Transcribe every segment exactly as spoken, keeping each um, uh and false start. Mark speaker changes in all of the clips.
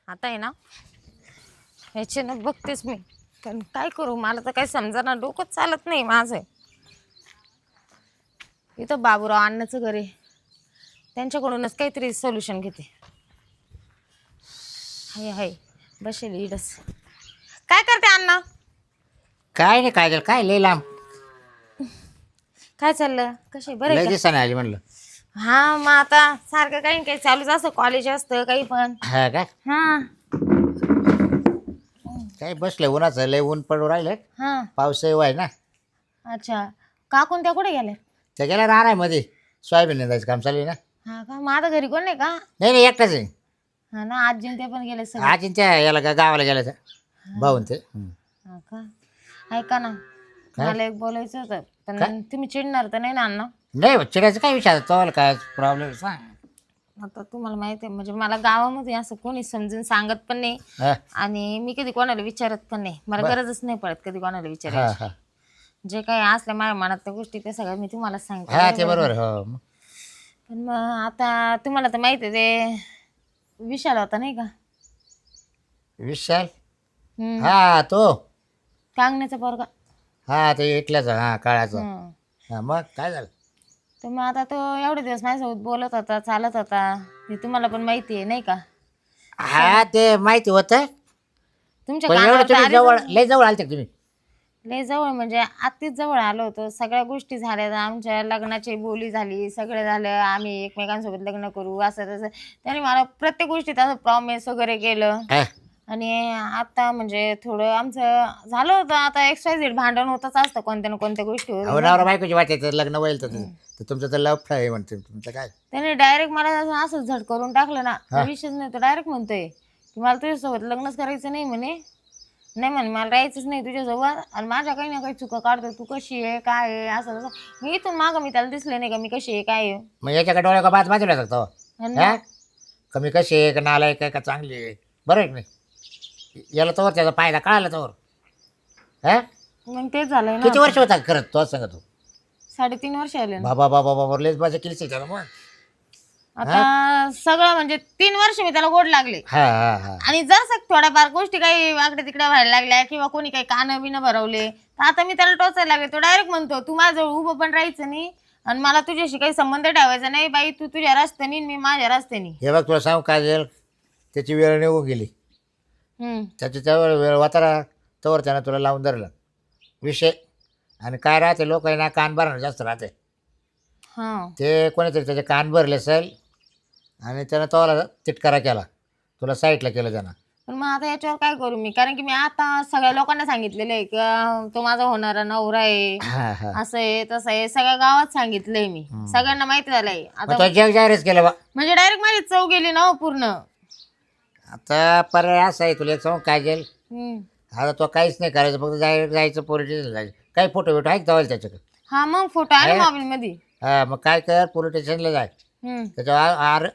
Speaker 1: आता आहे ना ह्याच्यानं बघतेच मी, पण काय करू मला तर काही समजा डोकंच चालत नाही माझं. इथं बाबूराव अण्णाचं घर आहे, त्यांच्याकडूनच काहीतरी सोल्युशन घेते. हाय हाय बसेल इडच. काय करते अण्णा?
Speaker 2: काय नाही काय झालं काय लय लांब
Speaker 1: काय चाललं? कसे बरे
Speaker 2: लय
Speaker 1: का?
Speaker 2: दिवसाने आली म्हणलं.
Speaker 1: हा मग आता सारखं काही काही चालूच असतं, कॉलेज असतं काही पण.
Speaker 2: हा काय
Speaker 1: हा
Speaker 2: काय बसले उन्हाचं लय ऊन पडू राहिलं.
Speaker 1: हा
Speaker 2: पावसही वाय ना.
Speaker 1: अच्छा, काकून त्या कुठे गेल्या?
Speaker 2: त्या गेल्या राहणार मध्ये सोयाबीन निंदायचं काम चालू आहे ना.
Speaker 1: हा का, मग आता घरी कोण नाही का?
Speaker 2: नाही नाही एकटाच आहे.
Speaker 1: हा ना, आजी ते पण गेले सगळे.
Speaker 2: आजींच्या याला का गावाला गेल्या त्या भाऊन ते हम्म.
Speaker 1: हा का, ऐका ना
Speaker 2: काय?
Speaker 1: मला एक बोलायचं होतं, पण
Speaker 2: काय?
Speaker 1: तुम्ही चिडणार तर नाही ना अण्णा?
Speaker 2: नाही चिडायचं काय विचार तो काय प्रॉब्लेम सांग.
Speaker 1: आता तुम्हाला माहिती आहे म्हणजे मला गावामध्ये असं कोणी समजून सांगत पण नाही,
Speaker 2: हा
Speaker 1: आणि मी कधी कोणाला विचारत पण नाही. मला
Speaker 2: बर.
Speaker 1: गरजच नाही पडत कधी कोणाला
Speaker 2: हा
Speaker 1: विचारायची.
Speaker 2: हा
Speaker 1: जे काही असल्या माझ्या मनातल्या गोष्टी ते सगळं मी तुम्हाला सांगते.
Speaker 2: हा ते
Speaker 1: बरोबर?
Speaker 2: बरोबर हो मग.
Speaker 1: पण मग आता तुम्हाला तर माहिती आहे ते विशाल होता नाही का?
Speaker 2: विशाल
Speaker 1: हम्म,
Speaker 2: हा तो
Speaker 1: कांगण्याचा पोरगा.
Speaker 2: हा ते इटल्याचा हा काळाचा.
Speaker 1: हं.
Speaker 2: हा मग काय झालं?
Speaker 1: तर मग आता तो एवढे दिवस माझ्यासोबत बोलत होता, चालत होता, हे तुम्हाला पण माहिती आहे नाही का?
Speaker 2: हा ते माहिती होतं
Speaker 1: तुमच्या
Speaker 2: पण एवढं
Speaker 1: कानावर तर
Speaker 2: तुम्ही
Speaker 1: आलीच
Speaker 2: जवळ
Speaker 1: ना.
Speaker 2: लय जवळ आलते का तुम्ही?
Speaker 1: लय जवळ म्हणजे अतिच जवळ आलो होतो. सगळ्या गोष्टी झाल्या, आमच्या लग्नाची बोली झाली, सगळं झालं, आम्ही एकमेकांसोबत लग्न करू असं तसं. त्याने मला प्रत्येक गोष्टीत असं प्रॉमिस वगैरे केलं.
Speaker 2: हा
Speaker 1: आणि आता म्हणजे थोडं आमचं झालं होतं, आता एक्स वाय झेड भांडण होतच असतं कोणत्या ना कोणत्या गोष्टीवर
Speaker 2: अहो
Speaker 1: नाही का?
Speaker 2: नवरा बायकोची वाटायचं लग्न व्हायला तर तर तुमचं तर लफ आहे म्हणते तुमचं काय.
Speaker 1: त्याने डायरेक्ट मला असं असं झट करून टाकलं ना,
Speaker 2: हा.
Speaker 1: विषयच नाही. तो डायरेक्ट म्हणतोय की मला तुझ्यासोबत लग्नच करायचं नाही म्हणे. नाही म्हणे मला राहायचंच नाही तुझ्यासोबत, आणि माझ्या काही ना काही चुका काढतोय, तू कशी आहे काय आहे असं तसं. मी इथून मागं मी त्याला दिसले नाही का मी कशी आहे काय आहे.
Speaker 2: मग याच्याकडे डोळ्या का बाज बाजूला लागतो
Speaker 1: आणि
Speaker 2: हा
Speaker 1: मग
Speaker 2: कमी कशी आहे का नाला आहे का चांगली आहे बरं आहे की नाही याला तोवर त्याचा फायदा कळाला तोवर हा
Speaker 1: मग तेच झालंय ना.
Speaker 2: किती वर्ष
Speaker 1: आता
Speaker 2: होता खरंच तो सांगत तू
Speaker 1: साडेतीन वर्ष आले ना.
Speaker 2: बाबा बाबा बाबा लेच माझ्या केलीच त्याला मग
Speaker 1: आता सगळं म्हणजे तीन वर्ष मी त्याला गोड लागले.
Speaker 2: हा हा हा
Speaker 1: आणि जर थोड्याफार गोष्टी काही वाकडे तिकडे व्हायला लागल्या किंवा कोणी काही कानं बिनं भरवले तर आता मी त्याला टोचायला लागले. तो डायरेक्ट म्हणतो तू माझ्याजवळ उभं पण राहायचं नाही आणि मला तुझ्याशी काही संबंध ठेवायचा नाही. बाई तू तुझ्या रस्त्यानी मी माझ्या रस्त्यानी.
Speaker 2: हे बघ तुला सांगू काय झालं त्याची वेळ निघून गेली
Speaker 1: हम्म
Speaker 2: त्याची त्यावर वेळ वातारा तोवर त्यानं तुला लावून धरलं विषय आणि काय राहते लोक आहे ना कान भरणं जास्त राहते
Speaker 1: हा
Speaker 2: ते कोणीतरी त्याचे कान भरले असेल आणि त्यानं तोला तिटकारा केला तुला साईडला केलं त्यानं.
Speaker 1: पण मग आता याच्यावर काय करू मी, कारण की मी आता सगळ्या लोकांना सांगितलेलं आहे की तो माझा होणारा नवरा आहे,
Speaker 2: हा हा
Speaker 1: असं आहे तसं आहे, सगळ्या गावात सांगितलंय मी. सगळ्यांना माहिती झालंय
Speaker 2: मग
Speaker 1: आता.
Speaker 2: तो जग जाहीरच केलं बा.
Speaker 1: म्हणजे डायरेक्ट माझी चव गेली ना हो पूर्ण.
Speaker 2: आता पर्याय असा आहे तुला एक सांगू काय जाईल
Speaker 1: हम्म.
Speaker 2: आता तो काहीच नाही करायचं फक्त जाय जायचं पोलीस स्टेशनला जायचं काही फोटो बिटो आहे का त्याच्याकडे
Speaker 1: हा मग फोटो आहे ना मोबाईल मध्ये.
Speaker 2: हा मग काय कर पोलीस स्टेशनला जाय
Speaker 1: हम्म.
Speaker 2: त्याच्यावर आर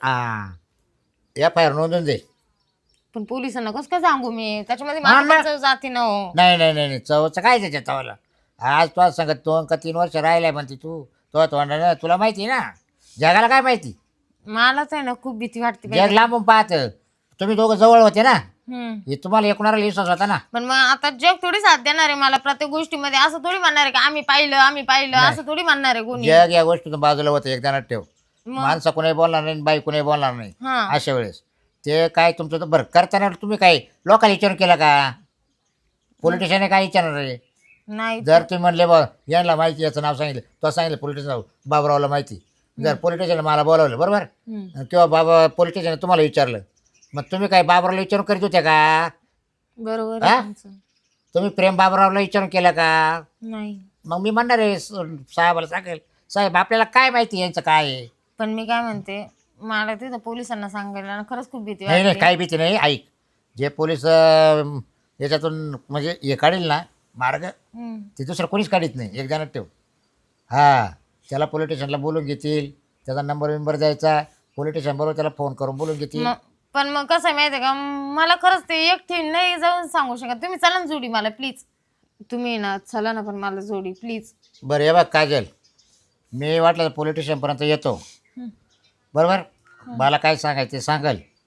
Speaker 2: एफ आय आर नोंदून दे.
Speaker 1: पण पोलिसांना कसं काय सांगू मी, त्याच्यामध्ये
Speaker 2: हा,
Speaker 1: माझी पण
Speaker 2: मग.
Speaker 1: चव जाते ना हो.
Speaker 2: नाही नाही नाही नाही चवचं काय त्याच्या चवाला आज तुला सांगत दोन का तीन वर्ष राहिलाय म्हणते तू तो तोंडाने तुला माहिती ना जगाला काय माहिती.
Speaker 1: मलाच आहे ना खूप भीती वाटते बाई.
Speaker 2: जग लांबून पाहत तुम्ही दोघं जवळ होते ना
Speaker 1: हम्म.
Speaker 2: हे तुम्हाला एकूणाला विश्वास होता ना.
Speaker 1: पण मग आता जग थोडी साथ देणार आहे मला प्रत्येक गोष्टीमध्ये. असं थोडी म्हणणार आहे की आम्ही पाहिलं आम्ही पाहिलं असं थोडी म्हणणार आहे कोणी.
Speaker 2: जग या गोष्टीतून बाजूला होतं एकदा ठेव
Speaker 1: मग
Speaker 2: माणसं कोणी बोलणार नाही बाई कोणी बोलणार नाही
Speaker 1: हा
Speaker 2: अशा वेळेस ते काय तुमचं तर बरं करताना तुम्ही काय लोकांना विचारून केलं का पोलिटिशियन काय विचारणार आहे.
Speaker 1: नाही
Speaker 2: जर तुम्ही म्हणले बा यांना माहिती याचं नाव सांगितलं तो सांगितलं पोलिटिशियन बाबरावला माहिती जर पोलिटिशियन मला बोलावलं बरोबर
Speaker 1: हम्म.
Speaker 2: किंवा बाबा पोलिटिशियन तुम्हाला विचारलं मग तुम्ही काय बाबरावला विचारून करीत होत्या का.
Speaker 1: बरोबर
Speaker 2: हा?
Speaker 1: आहे तुमचं.
Speaker 2: तुम्ही प्रेम बाबरावला विचारून केलं का.
Speaker 1: नाही
Speaker 2: मग मी म्हणणार आहे स- साहेबाला सांगेल साहेब आपल्याला काय माहिती यांचं काय आहे.
Speaker 1: पण मी काय म्हणते, मला तिथं पोलिसांना सांगायला ना खरंच खूप भीती
Speaker 2: नाही नाही
Speaker 1: वाटते.
Speaker 2: काही भीती नाही ऐक जे पोलीस अं, याच्यातून म्हणजे हे काढील ना मार्ग
Speaker 1: हम्म.
Speaker 2: ते दुसरं कोणीच काढीत नाही एक जणात ठेव. हा त्याला पोलीस स्टेशनला बोलून घेतील त्याचा नंबर विंबर द्यायचा पोलीस स्टेशन बरोबर त्याला फोन करून बोलून घेतील.
Speaker 1: मग पण मग कसं आहे माहिती आहे का, मला खरंच ते एकटी नाही जाऊन सांगू शकत. तुम्ही चला ना जोडी मला प्लीज. तुम्ही ना चला ना पण मला जोडी प्लीज.
Speaker 2: बरं हे बघ काजल मी वाटलं पोलीस स्टेशनपर्यंत येतो बरोबर मला काय सांगायचं ते सांगाल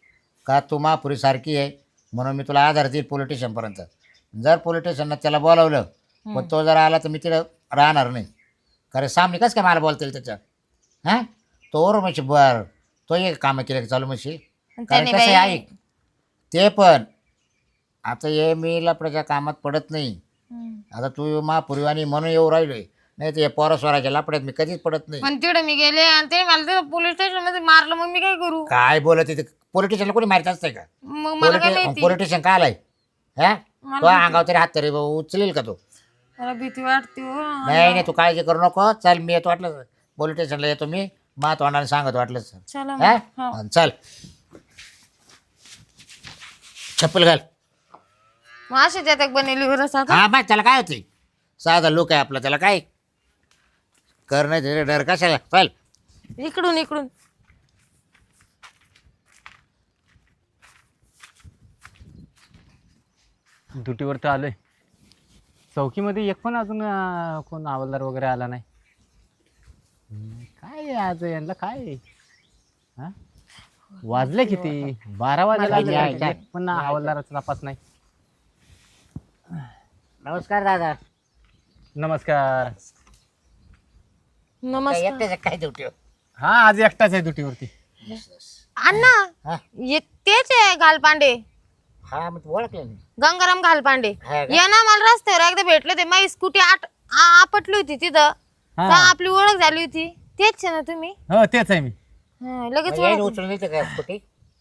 Speaker 2: का तू महापुरी सारखी आहे म्हणून मी तुला आधार देईल पोलीस स्टेशनपर्यंत. जर पोलीस स्टेशननं त्याला बोलावलं पण तो जर आला तर मी तिथं राहणार नाही. कारण सामने कसं काय मला बोलता येईल त्याच्या? हां तो बरोबर म्हशी बरं तो एक कामं केलं की चालू म्हशी. कारण
Speaker 1: त्याने
Speaker 2: कसं आहे
Speaker 1: बाई-
Speaker 2: ऐक ते पण आता हे मी लपड्याच्या कामात पडत नाही.
Speaker 1: हम्म.
Speaker 2: आता तू महापुरीवाणी म्हणून येऊ राहिलोय नाही तर पोरा स्वराच्या लपड्यात मी कधीच पडत नाही.
Speaker 1: पण तिकडे मी गेले आणि ते मला तिथं पोलीस स्टेशन मध्ये मारलं, मग मी काय करू?
Speaker 2: काय बोलत तिथे पोलीस स्टेशनला कोणी मारित असतंय का?
Speaker 1: मग मला काय माहिती?
Speaker 2: पोलीस स्टेशन का आलाय? हा
Speaker 1: मला
Speaker 2: तो अंगावर तरी हात तरी उचलेल का तो?
Speaker 1: मला भीती वाटते हो.
Speaker 2: नाही नाही तू काळजी करू नको. चल मी येतो वाटलं पोलीस स्टेशनला येतो मी मा तोंडाने सांगत वाटलं सर.
Speaker 1: चला
Speaker 2: हा
Speaker 1: मग. हो.
Speaker 2: आणि चल चप्पल घाल.
Speaker 1: मग अशी त्यात बनवली बरं आता.
Speaker 2: हा बाय त्याला काय होते साधा लोक आहे आपला त्याला काय कर नाही त्याचा डर कशाला. चल
Speaker 1: इकडून इकडून
Speaker 3: ड्युटीवर तर आलोय. चौकीमध्ये एक पण अजून अं, कोण हवालदार वगैरे आला नाही. हम्म, काय आहे आज यांना काय आहे? हा वाजले किती? बारा वाजायला आले
Speaker 2: मला-
Speaker 3: काय? एक पण हवालदाराचा तपास नाही.
Speaker 2: नमस्कार दादा.
Speaker 3: नमस्कार.
Speaker 1: नमस्कार
Speaker 2: येते काय देऊ ठेव.
Speaker 3: हा आज एकटाच आहे ड्युटीवरती.
Speaker 1: अण्णा.
Speaker 2: हा
Speaker 1: ये तेच आहे घालपांडे,
Speaker 2: हा मग तू ओळखलं नाही.
Speaker 1: गंगाराम घालपांडे.
Speaker 2: हा का?
Speaker 1: या ना मला रस्त्यावर एकदा भेटले ते, माझी स्कूटी आट आ- आपटली होती तिथं.
Speaker 3: हा.
Speaker 1: तर आपली ओळख झाली होती. तेच आहे ना तुम्ही?
Speaker 3: हो तेच आहे मी.
Speaker 1: हा, लगेच
Speaker 2: मग यायने
Speaker 1: ओळख.
Speaker 2: उचलून दिली का कुठे?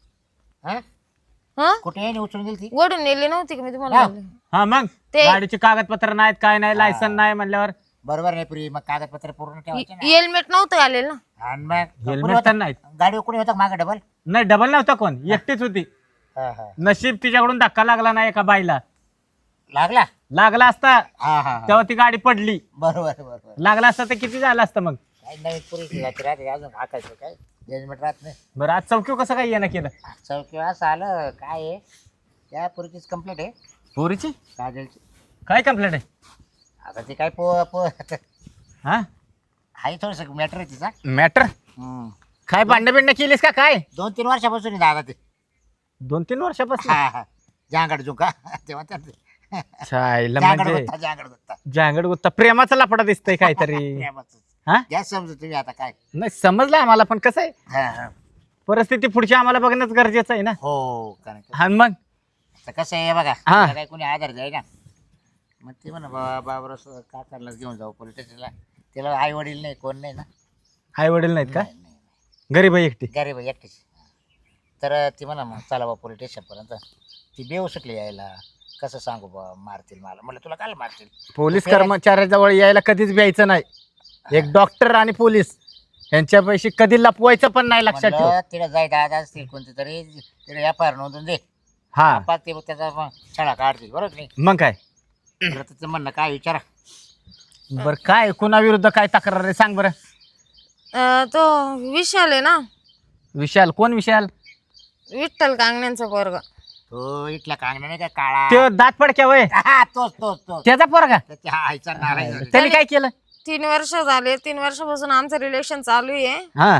Speaker 2: हा
Speaker 1: हा
Speaker 2: कुठे यायने उचलून दिली ती?
Speaker 1: ओढून नेली नव्हती का मी तुम्हाला
Speaker 2: हा.
Speaker 1: बोलले?
Speaker 3: हा मग
Speaker 1: ते-
Speaker 3: गाडीचे कागदपत्र नाहीत काय नाही लायसन नाही म्हणल्यावर
Speaker 2: बरोबर नाही पुरी मग कागदपत्र पूर्ण ठेवायचे ना.
Speaker 1: हेल्मेट नव्हतं घालेल ना.
Speaker 2: आणि मग कोणी
Speaker 3: हेल्मेट
Speaker 2: होतं?
Speaker 3: तर नाहीत.
Speaker 2: गाडीवर कोणी होतं मागे डबल?
Speaker 3: नाही डबल नव्हता कोण, एकटीच होती.
Speaker 2: हा हा
Speaker 3: नशीब तिच्याकडून धक्का लागला नाही एका बाईला.
Speaker 2: लागला.
Speaker 3: लागला असता
Speaker 2: हा हा हा.
Speaker 3: तेव्हा ती गाडी पडली.
Speaker 2: बरोबर बरोबर.
Speaker 3: लागला असता तर किती झालं असतं मग.
Speaker 2: काही नवीन पुरी राहते अजून हाकायचं काय जजमेंट राहत नाही.
Speaker 3: बरं आज चौकी कसं काय येणं केलं?
Speaker 2: चौकी असं आलं काय आहे त्या पुरीचीच कंप्लेंट आहे
Speaker 3: पोरीची
Speaker 2: काजलची.
Speaker 3: काय कंप्लेंट आहे?
Speaker 2: आता ती काय पो पो
Speaker 3: हा
Speaker 2: हाही थोडंसं मॅटर आहे तिचा.
Speaker 3: मॅटर
Speaker 2: हम्म.
Speaker 3: काय भांडण बिंड केलीस का काय?
Speaker 2: दोन तीन वर्षापासून आहे दादा ते.
Speaker 3: दोन तीन वर्षापासून.
Speaker 2: हा हा जांगड जुका तेव्हा तर
Speaker 3: छायला
Speaker 2: जांगड
Speaker 3: म्हणजे
Speaker 2: गुत्ता जांगड गुत्ता.
Speaker 3: जांगड गुत्ता प्रेमाचा लफडा दिसतंय काहीतरी.
Speaker 2: प्रेमाचंच.
Speaker 3: हा
Speaker 2: घ्या समजू तुम्ही आता काय.
Speaker 3: नाही समजलं आम्हाला, पण कसं आहे
Speaker 2: हा हा
Speaker 3: परिस्थिती पुढची आम्हाला बघणंच गरजेचं आहे ना.
Speaker 2: हो कारण की-
Speaker 3: हा मग
Speaker 2: आता कसं आहे बघा
Speaker 3: हा.
Speaker 2: तिला काय कोणी आधार द्याय ना मग ते म्हणा बाबा बाबर का करला घेऊन जाऊ पोलीस स्टेशनला. तिला आई वडील नाही कोण नाही ना.
Speaker 3: आई वडील नाहीत का?
Speaker 2: नाही, नाही,
Speaker 3: गरीब आहे एकटी.
Speaker 2: गरीब आहे एकटीच. तर ती म्हणा मग चला बा पोलीस स्टेशनपर्यंत. ती बेऊ शकली यायला कसं सांगू बा मारतील मला. म्हणलं तुला काल मारतील.
Speaker 3: पोलीस कर्मचाऱ्याजवळ यायला कधीच व्यायचं नाही. एक डॉक्टर आणि पोलीस यांच्यापैकी कधी लपवायचं पण नाही, लक्षात ठेव.
Speaker 2: म्हणलं तिला जाय दादा असतील कोणते तरी तिला एफ आय आर नोंदून दे.
Speaker 3: हा
Speaker 2: आपण ते त्याचा मग शाळा काढतील बरोबर की नाही.
Speaker 3: मग काय.
Speaker 2: तुला तिचं म्हणणं काय विचारा.
Speaker 3: बर काय कुणाविरुद्ध काय तक्रार आहे सांग बरं.
Speaker 1: अं, तो विशाल आहे ना,
Speaker 3: विशाल कोण विशाल?
Speaker 1: विठ्ठल कांगण्यांचा पोरगा.
Speaker 2: तो इथला कांगणा नाही का काळा.
Speaker 3: ते दात पडक्या वय
Speaker 2: हा तोच तोच तोच.
Speaker 3: त्याचा पोरगा.
Speaker 2: त्याच्या हा आईचा नाराज झाला.
Speaker 3: त्यांनी काय केलं?
Speaker 1: तीन वर्ष झाले, तीन वर्षापासून आमचं रिलेशन चालू आहे.
Speaker 3: हा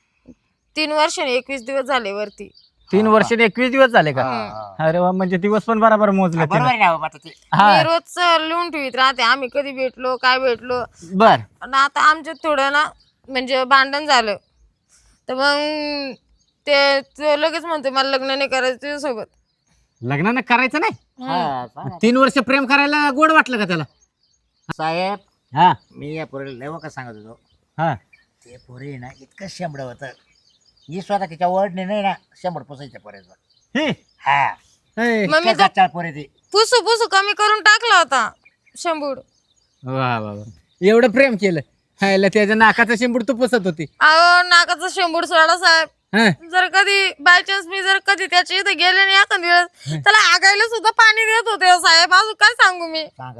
Speaker 1: तीन वर्ष आणि एकवीस दिवस झाले वरती.
Speaker 3: तीन वर्ष आणि एकवीस दिवस झाले का?
Speaker 2: हा.
Speaker 3: अरे वा, म्हणजे दिवस पण बरोबर मोजले
Speaker 2: बरोबर आहे ना बाबा आता ते.
Speaker 3: हा
Speaker 1: मी रोज लिहून ठेवीत राहते आम्ही कधी भेटलो काय भेटलो.
Speaker 3: बर
Speaker 1: आणि आता आमच्यात थोडं ना म्हणजे भांडण झालं, तर मग ते तो लगेच म्हणतो मला लग्न नाही करायचं तुझ्यासोबत.
Speaker 3: लग्न करायचं नाही?
Speaker 2: हा, सांगा.
Speaker 3: तीन वर्ष प्रेम करायला गोड वाटलं का त्याला?
Speaker 2: साहेब
Speaker 3: हा
Speaker 2: मी या पोरीला लय का सांगत होतो.
Speaker 3: हा
Speaker 2: ते पोरी ना इतकं शेंबड होतं. ही स्वतः तिच्या वडने नाही ना शेंबड पुसायच्या पोऱ्याचा.
Speaker 3: हे
Speaker 2: हा
Speaker 3: हे.
Speaker 1: मग मी
Speaker 2: इतक्या
Speaker 1: तर
Speaker 2: गच्चाळ पोरी ती.
Speaker 1: पुसू पुसू कमी करून टाकला होता शंभूड.
Speaker 3: वा वा वा. एवढं प्रेम केलं हायला, त्याच्या नाकाचा शिंबूड तू पुसत होती.
Speaker 1: अहो नाकाचा शंभूड सोडा साहेब.
Speaker 3: हा
Speaker 1: जर कधी बाय चान्स मी जर कधी त्याच्या इथे गेले नाही एखाद वेळेस त्याला आगायला सुद्धा पाणी देत होते हो साहेब. अजून काय सांगू मी.
Speaker 2: सांगा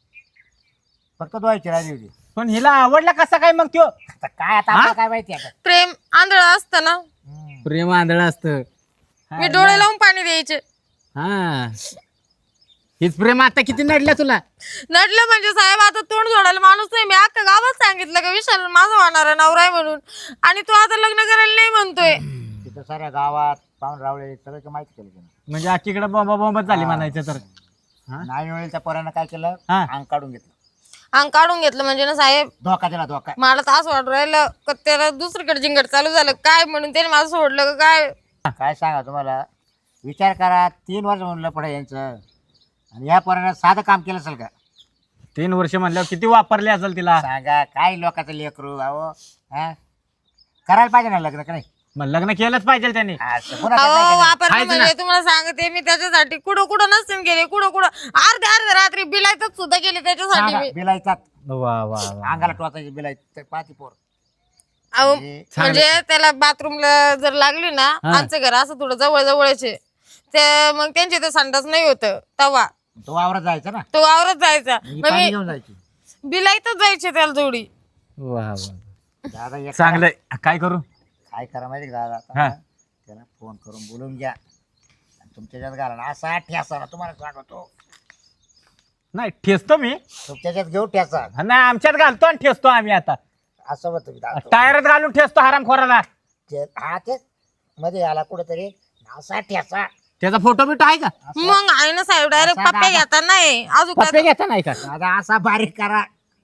Speaker 2: फक्त धुवायची राहिली होती.
Speaker 3: पण हिला आवडला कसा काय मग त्यो?
Speaker 2: आता काय आता आपल्याला काय माहिती आता.
Speaker 1: प्रेम आंधळ असतं ना,
Speaker 2: हम्म.
Speaker 3: प्रेम आंधळ असतं.
Speaker 1: मी डोळे लावून पाणी द्यायचे.
Speaker 3: हा हीच प्रेम आता किती नडल्या तुला?
Speaker 1: नडलं म्हणजे साहेब आता तोंड जोडायला माणूस नाही. मी अख्खा गावात सांगितलं का विशाल माझा होणारा नवरा आहे म्हणून, आणि तो आता लग्न करायला नाही म्हणतोय.
Speaker 2: तिथं साऱ्या गावात पाहून रावळे सगळं काही माहिती केलं त्यानं.
Speaker 3: म्हणजे आखीकडे बॉम्बा बॉम्बच झाली म्हणायचं तर. हा?
Speaker 2: नाही वेळेला त्या पोरानं काय केलं
Speaker 3: हा.
Speaker 2: अंग काढून घेतलं.
Speaker 1: अंग काढून घेतलं म्हणजे ना साहेब,
Speaker 2: धोका दिला धोका.
Speaker 1: मला तर असं वाटू राहिलं का त्याला दुसरीकडे जिंगड चालू झालं काय म्हणून त्याने मला सोडलं का काय.
Speaker 2: काय सांगा तुम्हाला, विचार करा तीन वर्ष म्हणलं पडे यांचं, आणि या पोरानं साधं काम केलं असेल का
Speaker 3: तीन वर्ष म्हणल्यावर किती वापरले असेल तिला.
Speaker 2: सांगा. काय लोकांचं लेकरू अहो, हा करायला पाहिजे ना लग्न का नाही?
Speaker 3: मग लग्न केलंच पाहिजे त्यांनी.
Speaker 2: असं कोणाचं
Speaker 1: अहो
Speaker 2: काय केलं?
Speaker 1: वापरलं
Speaker 3: आहेच ना.
Speaker 1: म्हणजे तुम्हाला सांगते मी त्याच्यासाठी कुठं कुठं नसते गेले, कुठं कुठं अर्ध्या अर्ध्या रात्री बिलायतच सुद्धा गेले त्याच्यासाठी
Speaker 2: सांगा,
Speaker 1: मी.
Speaker 2: बिलाईचा
Speaker 3: वा वा वा.
Speaker 2: अंगाला टोचायची बिलाई पाहती पोर.
Speaker 1: अहो
Speaker 2: म्हणजे
Speaker 1: म्हणजे त्याला बाथरूमला जर लागली ना,
Speaker 3: हा.
Speaker 1: आमचं घर असं थोडं जवळ जवळचे ते, मग त्यांचे ते संडास नाही होत तवा
Speaker 2: तो वावरात जायचा ना,
Speaker 1: तो वावरत जायचा,
Speaker 2: ही
Speaker 1: मग
Speaker 2: पाणी
Speaker 1: मी
Speaker 2: घेऊन जायची.
Speaker 1: बिलाईतच जायचे त्याला जोडी.
Speaker 3: वा वा.
Speaker 2: दादा एक
Speaker 3: चांगलंय. काय करू?
Speaker 2: काय करा माहिती का दादा,
Speaker 3: हा.
Speaker 2: आता त्याला फोन करून बोलून घ्या आणि तुमच्याच्यात घाला ना, असा ठ्यासा ना तुम्हाला सांगतो.
Speaker 3: नाही ठेचतो मी.
Speaker 2: तुमच्याच्यात घेऊ ठ्यासा
Speaker 3: नाही आमच्यात घालतो आणि ठेचतो आम्ही आता.
Speaker 2: असं होतं मी दादा.
Speaker 3: टायरात घालून ठेचतो हरामखोराला.
Speaker 2: ते- हा तेच मध्ये आला कुठेतरी असा ठ्यासा.
Speaker 3: त्याचा फोटो बिटो आहे का?
Speaker 1: मग आहे ना साहेब, डायरेक्ट
Speaker 2: असा
Speaker 1: पप्पे
Speaker 2: दादा.
Speaker 1: घेता नाही अजून
Speaker 3: पप्पे
Speaker 1: काय
Speaker 3: घेता नाही का?
Speaker 2: दादा असा बारीक करा,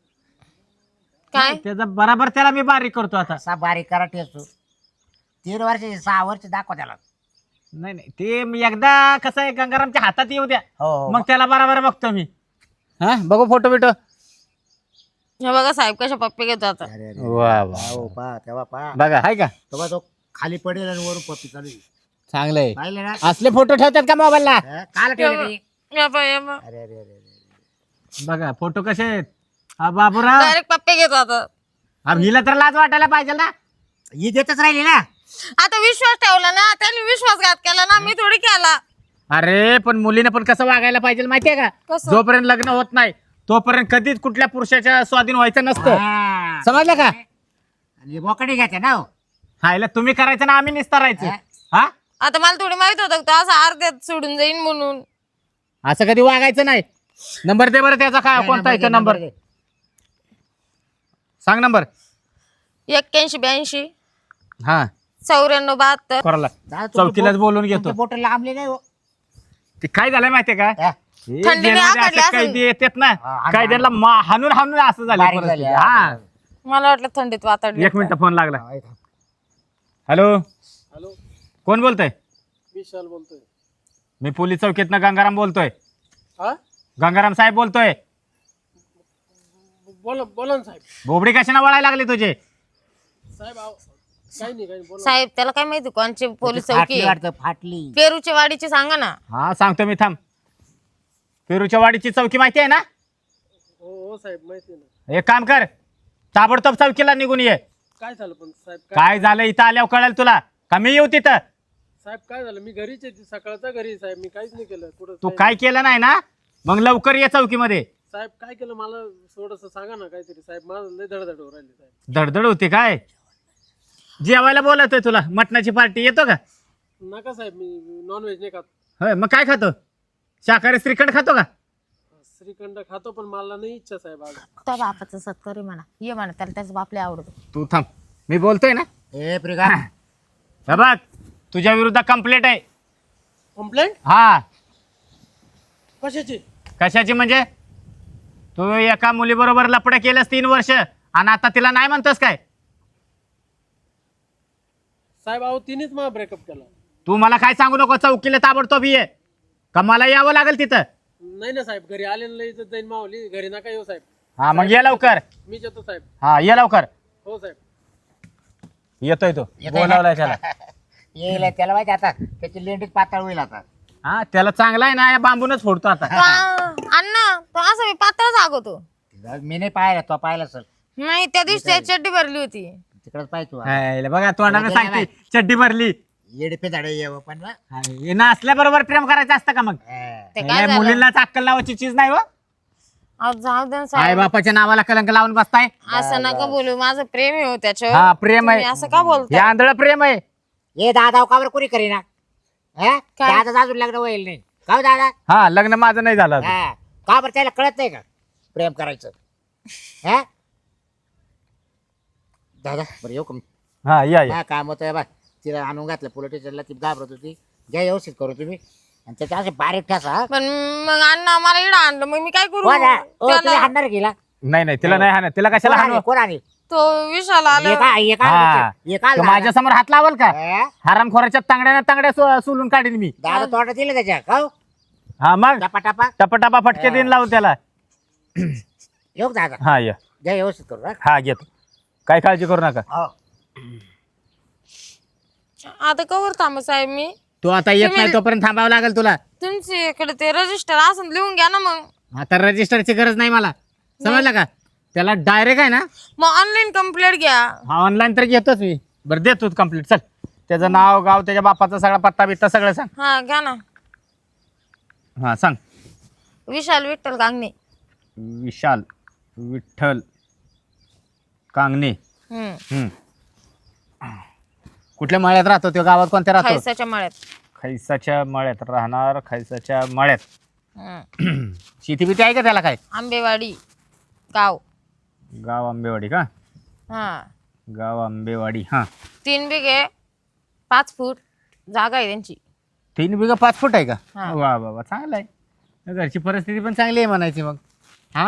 Speaker 1: काय
Speaker 3: त्याचा बराबर त्याला मी बारीक करतो आता.
Speaker 2: असा बारीक करा ठेचू. तीन वर्षाची सहा वर्ष दाखवा त्याला.
Speaker 3: नाही नाही ते मी एकदा कसं आहे गंगारामच्या हातात येऊ द्या,
Speaker 2: हो हो
Speaker 3: मग त्याला बराबर बघतो मी. हा बघू फोटो बिटो.
Speaker 1: हे बघा साहेब कशा पप्पे घेतो आता.
Speaker 2: अरे अरे
Speaker 3: वा वा.
Speaker 2: हो पा तेव्हा पा
Speaker 3: बघा हाय का?
Speaker 2: तेव्हा तो खाली पडेल आणि वरून पप्पी चालू आहे.
Speaker 3: चांगलंय.
Speaker 2: पाहिले ना
Speaker 3: असले फोटो ठेवतात का मोबाईलला?
Speaker 2: हा, काल ठेवले ते?
Speaker 1: या बा, या बा.
Speaker 2: अरे अरे अरे अरे.
Speaker 3: बघा फोटो कसे आहेत. हा बाबूराव.
Speaker 1: डायरेक्ट पप्पे घेतो आता.
Speaker 3: अब हिला तर लाज वाटायला पाहिजे ना.
Speaker 2: ही देतच राहिली ना.
Speaker 1: आता विश्वास ठेवला ना, त्यांनी विश्वासघात केला ना, मी थोडी केला.
Speaker 3: अरे पण मुलीने पण कसं वागायला पाहिजे माहितीये का?
Speaker 1: कसं?
Speaker 3: जोपर्यंत लग्न होत नाही तोपर्यंत कधीच कुठल्या पुरुषाच्या स्वाधीन व्हायचं नसतं.
Speaker 2: हा.
Speaker 3: समजलं का?
Speaker 2: आणि बोकडे घ्यायचे ना हो.
Speaker 3: हायला तुम्ही करायचं ना आम्ही निस्तारायचं.
Speaker 2: हा.
Speaker 3: हा
Speaker 1: आता मला थोडी माहित होतं का तो असं अर्ध्यात सोडून जाईन म्हणून.
Speaker 3: असं कधी वागायचं नाही. नंबर दे बरं त्याचा. काय कोणता आहे तो नंबर?
Speaker 2: दे.
Speaker 3: सांग नंबर.
Speaker 1: एक्क्याऐंशी ब्याऐंशी
Speaker 3: हा
Speaker 1: चौऱ्याण्णव बहात्तर.
Speaker 3: कोराला
Speaker 2: दादा, तुमचे
Speaker 3: चौकीलाच
Speaker 2: बोट-
Speaker 3: बोलून
Speaker 2: तुमचे
Speaker 3: घेतो.
Speaker 2: बोट लांबले नाही हो.
Speaker 3: ते काय झालंय माहितीये का?
Speaker 2: हा.
Speaker 3: हे
Speaker 1: थंडीने
Speaker 3: जेलमध्ये
Speaker 1: आखडले
Speaker 3: असे
Speaker 1: असेल.
Speaker 3: कैदी येतात ना,
Speaker 2: हा, हाणून-
Speaker 3: कैद्यांना मा- हाणून हाणून असं झालं
Speaker 2: बारीक
Speaker 3: परिस्थिती.
Speaker 2: झाली,
Speaker 3: हा
Speaker 2: हा.
Speaker 1: मला वाटलं थंडीत वातावरण.
Speaker 3: एक मिनिट फोन लागला.
Speaker 2: हा, ऐका.
Speaker 3: हॅलो
Speaker 4: हॅलो
Speaker 3: कोण बोलतोय?
Speaker 4: विशाल बोलतोय.
Speaker 3: मी पोलीस चौकीतनं गंगाराम बोलतोय.
Speaker 4: हा
Speaker 3: गंगाराम साहेब बोलतोय.
Speaker 4: बोला बोला ना साहेब.
Speaker 3: बोबडी कशाने वळायला लागले तुझे?
Speaker 4: साहेब आव- काही नाही काही नाही, बोला.
Speaker 1: साहेब त्याला काय माहिती कोणची पोलीस चौकी
Speaker 2: फाटली
Speaker 1: आहे?
Speaker 2: वाटतं फाटली.
Speaker 1: पेरूच्या वाडीची सांगा ना.
Speaker 3: हा सांगतो मी थांब. पेरूच्या वाडीची चौकी माहिती आहे ना?
Speaker 4: हो हो साहेब माहिती आहे ना.
Speaker 3: एक काम कर, ताबडतोब चौकीला निघून ये.
Speaker 4: काय झालं पण साहेब? काय
Speaker 3: काय झालं इथं आल्यावर कळेल तुला. का मी येऊ तिथं?
Speaker 4: साहेब काय झालं? मी घरीच आहे, सकाळचा घरी आहे, साहेब. मी काहीच नाही केलं. कुठं
Speaker 3: तू
Speaker 4: साहेब-
Speaker 3: काय केलं नाही ना, मग लवकर ये चौकीमध्ये.
Speaker 4: साहेब काय केलं मला थोडस सांगा ना काहीतरी. साहेब माझं लय धडधड होऊ राहिली साहेब.
Speaker 3: धडधड होते काय? जेवायला बोलतोय तुला. मटणाची पार्टी येतो का?
Speaker 4: नका साहेब, मी नॉनव्हेज नाही खात.
Speaker 3: होय मग काय खातो? शाकाहारी श्रीखंड खातो का?
Speaker 4: श्रीखंड खातो पण मला नाही इच्छा साहेब आज.
Speaker 1: त्या बापाचा सत्कार आहे म्हणा, ये म्हणा त्याला त्याचा बापले आवडतो.
Speaker 3: तू थांब, मी बोलतोय ना.
Speaker 2: ए प्रिगा
Speaker 3: हे बघ तुझ्या विरुद्ध कंप्लेंट आहे.
Speaker 4: कंप्लेंट
Speaker 3: हा
Speaker 4: कशाची?
Speaker 3: कशाची म्हणजे? तू एका मुलीबरोबर लपडं केलंस तीन वर्ष आणि आता तिला नाही म्हणतोस काय?
Speaker 4: साहेब अहो तिनेच मला ब्रेकअप केला.
Speaker 3: तू मला काय सांगू नको. चौकीला ताबडतोब ये का मला यावं लागेल तिथं?
Speaker 4: नाही ना साहेब, घरी आले ना लय इज्जत जाईन मावली. घरी नका येऊ साहेब.
Speaker 3: हा मग ये लवकर.
Speaker 4: मी येतो साहेब.
Speaker 3: हा ये लवकर.
Speaker 4: हो साहेब.
Speaker 3: येतोय तो.
Speaker 2: येतोय ना?
Speaker 3: बोलावलाय त्याला.
Speaker 2: येईल त्याला माहिती आता त्याची लेंडीत पातळ होईल आता.
Speaker 3: हा त्याला चांगला आहे ना, या बांबूनच फोडतो आता.
Speaker 1: तो आ- अण्णा तो असं मी पातळ सांगतो.
Speaker 2: मी नाही पाहिला, तो पाहिला सर
Speaker 1: नाही त्या दिवशी त्याची चड्डी भरली होती.
Speaker 2: तिकडच पाहिजे तू.
Speaker 3: हाय, बघा तोंडाने सांगते चड्डी भरली.
Speaker 2: येडपे झाडे येव पण ना.
Speaker 3: ना असल्याबरोबर प्रेम करायचं असतं का मग?
Speaker 2: हा.
Speaker 1: ते काय
Speaker 3: नाही,
Speaker 1: झालं?
Speaker 3: मुलींनाच अक्कल लावायची चीज नाही हो.
Speaker 1: अहो, जाऊ दे ना
Speaker 3: आई
Speaker 1: साहेब,
Speaker 3: बापाच्या नावाला कलंक लावून बसताय.
Speaker 1: असं नका बोलू. माझं प्रेम आहे हो त्याच्यावर.
Speaker 3: हा प्रेम
Speaker 1: तुम्ही
Speaker 3: आहे.
Speaker 1: असं का बोलता?
Speaker 3: हे आंधळ प्रेम आहे.
Speaker 2: ये दादा का बरं कोणी करीना? हा?
Speaker 1: काय?
Speaker 2: दादा अजून लग्न होईल नाही का हो दादा?
Speaker 3: हा लग्न माझं नाही झालं अजून.
Speaker 2: हा का बरं त्याला कळत नाही का प्रेम करायचं? हा दादा बरं येऊ का मी?
Speaker 3: हा या या.
Speaker 2: हा काम होतं बा तिला आणून घातलं पोलीस स्टेशनला, ती घाबरत होती. घ्या व्यवस्थित करू तुम्ही आणि त्याच्या असे बारीक ठसा.
Speaker 1: पण मग अण्णा मला इकडं आणलं मग मी काय करू
Speaker 2: कोण आहे? ओ, तुम्ही
Speaker 1: त्याला-
Speaker 2: हाणणार गेला
Speaker 3: नाही नाही तिला नाही हाणत. तिला कशाला हाणू?
Speaker 2: कोण आहे?
Speaker 1: तो विशाल आला
Speaker 2: एका एका
Speaker 3: हा.
Speaker 2: एका
Speaker 3: तो माझ्या समोर हात लावल का?
Speaker 2: हा?
Speaker 3: हरामखोराच्या तांगड्या तांगड्या सो- सोलून काढीन मी.
Speaker 2: दारू तोंडात दिलं त्याच्या खाऊ
Speaker 3: हा मग
Speaker 2: टापा टापा
Speaker 3: टपटापा फटके देईन लावून त्याला.
Speaker 2: येऊ का दादा?
Speaker 3: हा ये
Speaker 2: घ्या व्यवस्थित करू. हा?
Speaker 3: हा घेतो. काय काळजी करू नका.
Speaker 2: हो.
Speaker 1: आता कवर थांब साहेब मी
Speaker 3: तू आता येत नाही तोपर्यंत थांबावं लागेल तुला.
Speaker 1: तुमच्या इकडे ते रजिस्टर असं लिहून घ्या ना मग
Speaker 3: आता रजिस्टरची गरज नाही मला, समजलं का? त्याला डायरेक्ट आहे ना,
Speaker 1: मग ऑनलाईन कंप्लेंट घ्या.
Speaker 3: हा ऑनलाईन तर घेतोच मी. बरं देतो कम्प्लीट. चल त्याचं नाव गाव त्याच्या बापाचा सगळा पत्ता बित्ता सगळं सांग.
Speaker 1: हा घ्या ना.
Speaker 3: हा सांग.
Speaker 1: विशाल विठ्ठल कांगणे.
Speaker 3: विशाल विठ्ठल कांगणे.
Speaker 1: हम्म.
Speaker 3: हम्म. कुठल्या मळ्यात राहतो तो? गावात कोणत्या राहतो?
Speaker 1: खायसाच्या मळ्यात.
Speaker 3: खैसाच्या मळ्यात राहणार. खैसाच्या मळ्यात.
Speaker 1: हम्म.
Speaker 3: शेती बिती आहे का त्याला? काय
Speaker 1: आंबेवाडी गाव.
Speaker 3: गाव आंबेवाडी का?
Speaker 1: हा
Speaker 3: गाव आंबेवाडी. हा
Speaker 1: तीन बिघे पाच फूट जागा आहे त्यांची.
Speaker 3: तीन बिघा पाच फूट आहे का?
Speaker 1: हा.
Speaker 3: वा वा वा चांगलं आहे. घरची परिस्थिती पण चांगली आहे म्हणायची मग. हा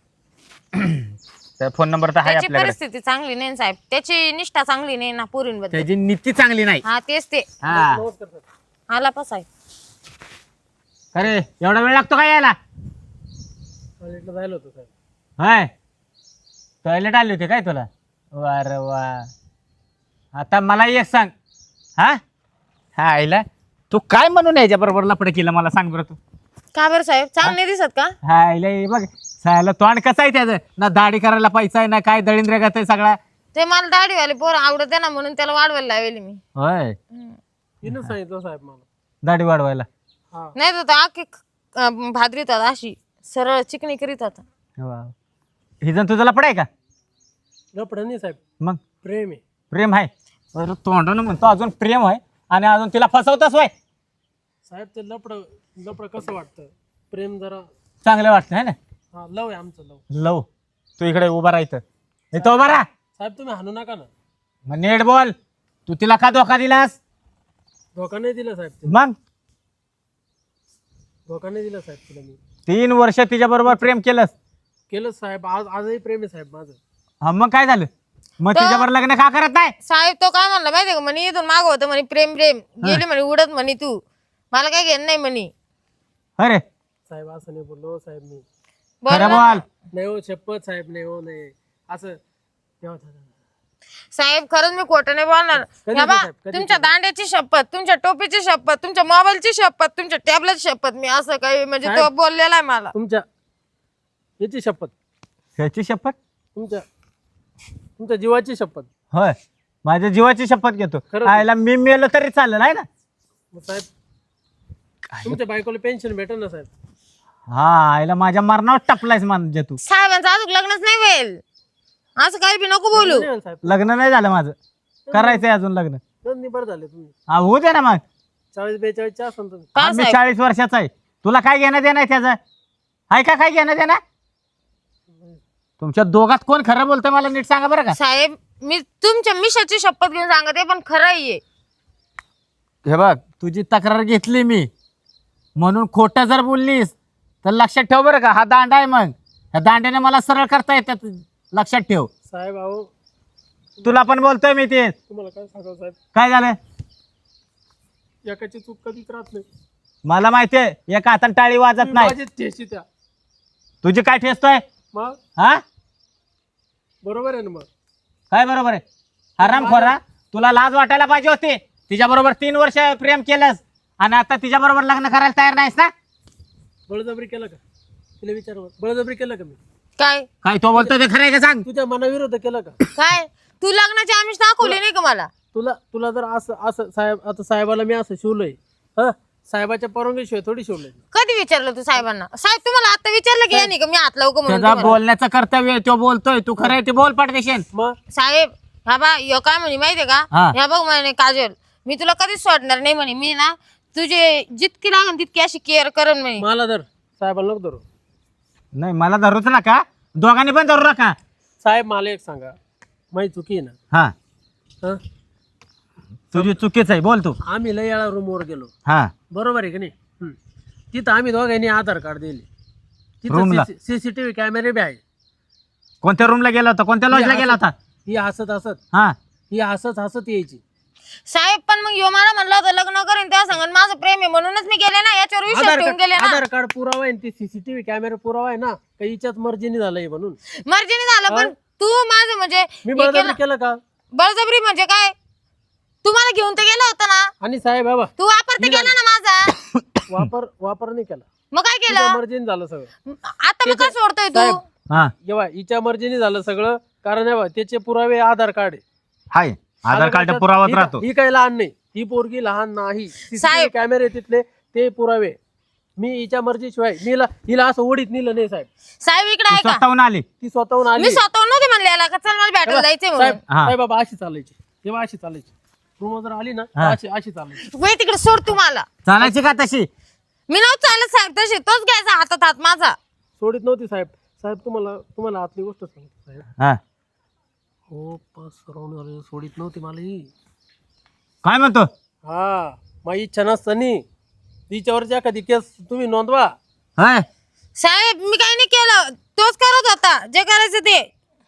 Speaker 3: तर फोन नंबर तर आहे
Speaker 1: त्याची
Speaker 3: आपल्याकडे.
Speaker 1: परिस्थिती चांगली नाही ना साहेब, त्याची निष्ठा चांगली नाही ना पोरींबद्दल.
Speaker 3: त्याची नीती चांगली नाही.
Speaker 1: हा तेच ते.
Speaker 3: हा
Speaker 4: नमस्कार सर.
Speaker 1: आला पा साहेब.
Speaker 3: अरे एवढा वेळ लागतो काय यायला?
Speaker 4: टॉयलेटला जायला होतं साहेब.
Speaker 3: हाय टॉयलेट आले होते काय तुला? वा रे वा. आता मला एक सांग. हा हा आईला तू काय म्हणून याच्या बरोबर लपड केलं मला सांग बरं तू.
Speaker 1: का बरं साहेब चांगलं नाही दिसत का?
Speaker 3: हा आईला हे बघ सायला तोंड कसं आहे त्याचं? ना दाढी करायला पैसा आहे ना काय, दळिंद्र आहे सगळा.
Speaker 1: ते मला दाढीवाले पोर आवडत ना म्हणून त्याला वाढवायला लावली मी.
Speaker 3: होय
Speaker 4: तिनं सांगितलं साहेब मला.
Speaker 3: दाढी वाढवायला.
Speaker 4: हा
Speaker 1: नाही तर तो आखी अं, भादरीतात अशी सरळ चिकणी करीत होता.
Speaker 3: वा. ही जण तुझं लपड आहे का?
Speaker 4: लपडा नाही साहेब,
Speaker 3: मग
Speaker 4: प्रेम आहे.
Speaker 3: प्रेम आहे. बरं तोंडानं म्हणतो अजून प्रेम आहे आणि अजून तिला फसवतोस वय.
Speaker 4: साहेब ते लपड लपड कसं वाटतं? प्रेम जरा
Speaker 3: चांगलं वाटतं है ना?
Speaker 4: हा लव आहे आमचं लव.
Speaker 3: लव. तू इकडे उभा राहायचं. इथं उभा राहा.
Speaker 4: साहेब तुम्ही हाणू नका ना.
Speaker 3: मग नीट बोल. तू तिला का धोका दिलास?
Speaker 4: धोका नाही दिला साहेब तिला.
Speaker 3: मग
Speaker 4: धोका नाही दिला साहेब तिला मी.
Speaker 3: तीन वर्ष तिच्या बरोबर प्रेम केलंस.
Speaker 4: केलं साहेब. आज आजही प्रेम आहे साहेब माझं.
Speaker 3: हा मग काय झालं? मग
Speaker 1: तर-
Speaker 3: तिच्यावर लग्न का करत नाही?
Speaker 1: साहेब तो काय म्हणला माहितीये का म्हणे इथून माग होतं म्हणे प्रेम प्रेम गेली म्हणे उडत म्हणे तू मला काय घेणं नाही म्हणे.
Speaker 3: अरे
Speaker 4: साहेब असं नाही बोललो साहेब मी.
Speaker 3: खरं
Speaker 1: बरं ना?
Speaker 3: बोल.
Speaker 4: नाही हो शपथ साहेब, नाही हो नाही असं. तेव्हा था-
Speaker 1: साहेब खरंच मी खोटं नाही बोलणार.
Speaker 4: कधी
Speaker 1: या बा,
Speaker 4: साहेब, कधी
Speaker 1: तुमच्या दांड्याची शपथ, तुमच्या टोपीची शपथ, तुमच्या मोबाईलची शपथ, तुमच्या टॅबलेटची शपथ मी असं काही म्हणजे तो
Speaker 4: साहेब.
Speaker 1: बोललेला आहे मला.
Speaker 4: तुमच्या याची शपथ,
Speaker 3: ह्याची शपथ?
Speaker 4: तुमच्या तुमच्या जीवाची शपथ.
Speaker 3: होय माझ्या जीवाची शपथ घेतो.
Speaker 4: खरंच?
Speaker 3: आयला मी मेलो तरी चालेल आहे ना?
Speaker 4: मग साहेब तुमच्या बायकोला पेन्शन भेटेल ना साहेब?
Speaker 3: हा आईला माझ्या मरणावर टपलायस म्हणजे तू.
Speaker 1: साहेबांचं अजून लग्नच नाही होईल असं काही बी नको बोलू.
Speaker 4: नाही होईल साहेब.
Speaker 3: लग्न नाही झालं माझं. करायचंय अजून लग्न.
Speaker 4: दोन निबर झाले तुम्ही.
Speaker 3: हा होऊ दे ना मग.
Speaker 4: चाळीस बेचाळीसचे असाल तुम्ही.
Speaker 1: का
Speaker 3: मी
Speaker 1: साहेब?
Speaker 3: चाळीस वर्षाचा आहे. तुला काय घेणं देणं आहे त्याचं? आहे का काय घेणं देणं? तुमच्या दोघात कोण खरं बोलतंय मला नीट सांगा बरं का.
Speaker 1: साहेब मी तुमच्या मिशाची शपथ घेऊन सांगते पण खरं आहे.
Speaker 3: हे बघ तुझी तक्रार घेतली मी म्हणून खोटं जर बोललीस तर लक्षात ठेव बरं का. हा दांडा आहे मग ह्या दांड्याने मला सरळ करता येतात. लक्षात ठेव.
Speaker 4: साहेब अहो
Speaker 3: तुला पण बोलतोय मी ते.
Speaker 4: तुम्हाला काय सांगावं साहेब,
Speaker 3: काय झालं?
Speaker 4: एकाची चूक कधीच राहत नाही.
Speaker 3: मला माहितीये एका हाताने टाळी वाजत नाही.
Speaker 4: माझीच ठेशी त्या.
Speaker 3: तुझी काय ठेचतोय?
Speaker 4: मग
Speaker 3: हा
Speaker 4: बरोबर आहे ना मग.
Speaker 3: काय बरोबर आहे? हरामखोरा तुला लाज वाटायला पाहिजे होती. तिच्या बरोबर तीन वर्ष प्रेम केलंस आणि आता तिच्या बरोबर लग्न करायला तयार नाहीस ना?
Speaker 4: बळजबरी केलं का? तिला विचार बळजबरी केलं का मी?
Speaker 1: काय
Speaker 3: काय तो बोलतोय ते खरं आहे का सांग?
Speaker 4: तुझ्या मनाविरुद्ध केलं का?
Speaker 1: काय तू लग्नाची आमिष दाखवली नाही का मला?
Speaker 4: तुला तुला जर असं असं साहेब आता साहेबाला मी असं शिवलंय हा साहेबाच्या परवानगीशिवाय थोडी शिवलंय.
Speaker 1: कधी विचारलं तू साहेबांना? साहेब तुम्हाला आता विचारलं की नाही का मी हात लावू का म्हणून
Speaker 3: त्याचा
Speaker 1: तुम्हाला?
Speaker 3: बोलण्याचं कर्तव्य आहे, तो बोलतोय. तू खरं आहे ते बोल पडदेशील.
Speaker 4: मग
Speaker 1: साहेब हा बा यो काय म्हणे माहितीये का?
Speaker 3: हा.
Speaker 1: ह्या बघ म्हणे काजल मी तुला कधीच सोडणार नाही म्हणे. मी ना तुझे जितकी लागेल तितकी अशी केअर करण म्हणे.
Speaker 4: मला धर साहेबाला नको धरू.
Speaker 3: नाही मला धरूच नका. दोघांनी पण धरू नका.
Speaker 4: साहेब मला एक सांगा, माझी चुकी आहे ना?
Speaker 3: हा
Speaker 4: हा
Speaker 3: तुझी चुकीच आहे, बोल तू.
Speaker 4: आम्ही लय वेळा रूमवर गेलो,
Speaker 3: हा
Speaker 4: बरोबर आहे की नाही? हं. तिथं आम्ही दोघांनी आधार कार्ड दिले,
Speaker 3: रूमला?
Speaker 4: तिथं सीसीटीव्ही कॅमेरे बी आहे.
Speaker 3: कोणत्या रूमला गेला होता, कोणत्या लॉजला गेला होता?
Speaker 4: ही हसत हसत
Speaker 3: हा
Speaker 4: ही हसत हसत यायची.
Speaker 1: साहेब पण मग यो मला म्हणलं होतं लग्न करीन त्या सांगून माझं प्रेम आहे म्हणूनच मी गेले ना, याच्यावर विश्वास
Speaker 4: आधार
Speaker 1: ठेवून गेले
Speaker 4: कार्ड
Speaker 1: ना.
Speaker 4: आधार कार्ड पुरावा आहे, ती सीसीटीव्ही कॅमेरा पुरावा आहे ना, काही हिच्याच मर्जीने झालंय म्हणून
Speaker 1: मर्जीने झालं, पण तू माझं म्हणजे
Speaker 4: मी
Speaker 1: हे
Speaker 4: बळजबरी
Speaker 1: केलं.
Speaker 4: केलं का?
Speaker 1: बळजबरी म्हणजे काय? तुम्हाला घेऊन तर गेला होता ना,
Speaker 4: आणि साहेब बाबा
Speaker 1: तू वापर तर केला ना माझा.
Speaker 4: वापर वापर नाही केला,
Speaker 1: मग काय
Speaker 4: तिच्या
Speaker 1: केलं
Speaker 4: मर्जीने झालं सगळं.
Speaker 1: आता मग काय सोडतोय तू?
Speaker 4: साहेब,
Speaker 3: हा
Speaker 4: जेव्हा हिच्या मर्जीने झालं सगळं, कारण हे बघ, त्याचे पुरावे आधार कार्ड आहे.
Speaker 3: हाय आधार कार्ड
Speaker 4: कार्डात
Speaker 3: पुरावाच
Speaker 4: ही-
Speaker 3: राहतो.
Speaker 4: ही काही लहान नाही, ही पोरगी लहान नाही.
Speaker 1: साहेब.
Speaker 4: कॅमेरे तिथले ते पुरावे, मी हिच्या मर्जीशिवाय मी हिला हिला असं ओढीत नेलं नाही साहेब.
Speaker 1: साहेब इकडे
Speaker 3: तू
Speaker 1: आहे का?
Speaker 3: स्वतःहून आली.
Speaker 4: ती स्वतःहून आली.
Speaker 1: मी स्वतःहून नव्हते म्हणले याला का चल मला भेटायला जायचंय
Speaker 4: साहेब
Speaker 1: म्हणून.
Speaker 3: हा.
Speaker 4: साहेब बाबा अशी चालायची, तेव्हा अशी चालायची. रूम जर आली ना तर
Speaker 3: हा.
Speaker 4: अशी अशी चालायची.
Speaker 1: वय तिकडे सोड तुम्हाला.
Speaker 3: चालायची का तशी?
Speaker 1: मी नव्हतं चालत साहेब तशी, तोच घ्यायचा हातात हात माझा.
Speaker 4: सोडित नव्हती साहेब. साहेब तुम्हाला तुम्हाला आतली गोष्ट सांगतो साहेब.
Speaker 3: हा
Speaker 4: हो पास सराउंड झाले, सोडित नव्हती मला ही.
Speaker 3: काय म्हणतो?
Speaker 4: हा माझी इच्छा नसतानी तिच्यावरची एखादी केस तुम्ही नोंदवा.
Speaker 3: हाय
Speaker 1: साहेब मी काही नाही केलं, तोच करत होता जे करायचं ते.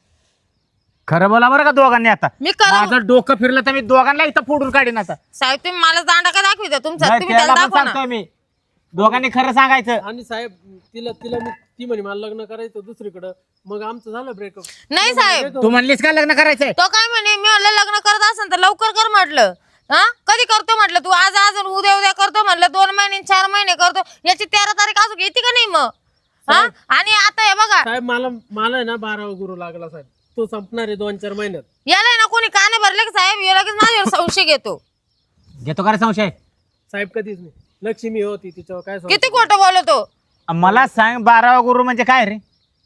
Speaker 3: खरं बोला बरं का दोघांनी. आता
Speaker 1: मी करत
Speaker 3: माझं डोकं फिरलं तर मी दोघांना इथं फोडून काढीन आता.
Speaker 1: साहेब तुम्ही मला दांडा का दाखविता तुमचा,
Speaker 3: नाही,
Speaker 1: तुम्ही
Speaker 3: त्याला
Speaker 1: त्याला
Speaker 3: पण
Speaker 1: दाखवा ना.
Speaker 3: सांगतोय मी, दोघांनी खरं सांगायचं.
Speaker 4: आणि साहेब तिला तिला मी ती म्हणे मला लग्न करायचं दुसरीकडं, मग आमचं झालं ब्रेकअप.
Speaker 1: नाही साहेब,
Speaker 3: तू म्हणलीस का लग्न करायचंय?
Speaker 1: तो काय म्हणे मी म्हणलं लग्न करत असेल तर लवकर कर म्हटलं. हा कधी करतो म्हटलं, तू आज आज उद्या उद्या करतो म्हटलं, दोन महिने चार महिने करतो, याची तेरा तारीख अजून येते का नाही मग? हा आणि आता हे बघा
Speaker 4: साहेब मला मला आहे ना बारावा गुरु लागला साहेब, तो संपणार आहे दोन चार महिन्यात.
Speaker 1: याला ना कोणी काने भरले की साहेब हे लगेच माझ्यावर संशय घेतो.
Speaker 3: घेतो का रे संशय?
Speaker 4: साहेब कधीच नाही. लक्ष्मी होती तिच्यावर काय सांगू?
Speaker 1: किती खोटं बोलतो.
Speaker 3: मला सांग, बारावा गुरु म्हणजे काय रे?